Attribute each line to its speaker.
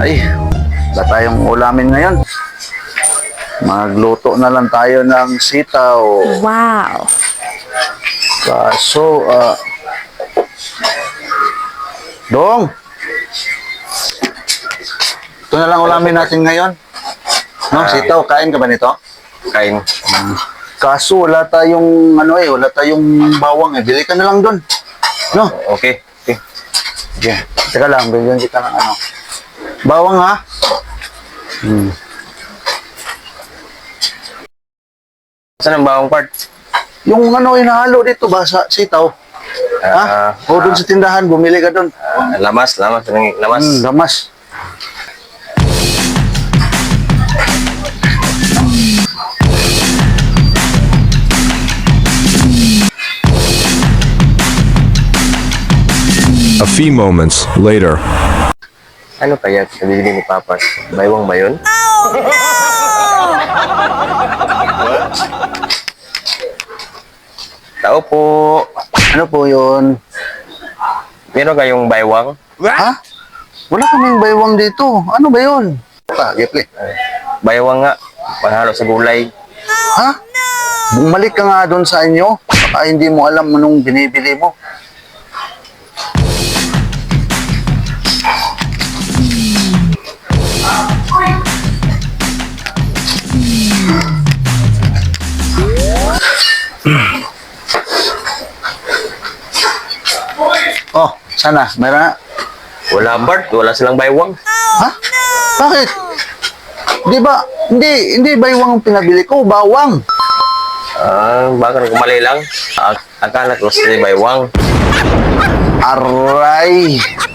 Speaker 1: Ay, wala tayong ulamin ngayon. Magluto na lang tayo ng sitaw.
Speaker 2: Wow.
Speaker 1: Kaso, Dong! Ito na lang ulamin natin ngayon. No, sitaw, kain ka ba nito?
Speaker 3: Kain.
Speaker 1: Kaso wala tayong wala tayong bawang eh. Bili ka na lang doon. No?
Speaker 3: Okay. Okay.
Speaker 1: Okay. Teka lang, bilhin kita ng bawang ha?
Speaker 3: Saan ang bawang part?
Speaker 1: Yung inahalo dito ba sa sitaw? Ha? O doon sa tindahan, bumili ka doon.
Speaker 3: Lamas. Lamas.
Speaker 1: Gamas.
Speaker 4: A few moments later.
Speaker 3: Ano kaya nabibili ni Papa? Baywang ba yun? Tao po.
Speaker 1: Ano po yun?
Speaker 3: Meron kayong baywang?
Speaker 1: Ha? Wala kaming baywang dito. Ano ba yun? Gipli.
Speaker 3: Baywang nga. Panghalo sa gulay.
Speaker 1: Ha? Bumalik ka nga doon sa inyo. Baka hindi mo alam anong binibili mo. Oh, sana. Meron na.
Speaker 3: Wala part. Wala silang baywang.
Speaker 1: Ha? Bakit? Di ba? Hindi baywang ang pinabili ko. Bawang.
Speaker 3: Baka nagkamali lang. Akala ko sila baywang.
Speaker 1: Aray.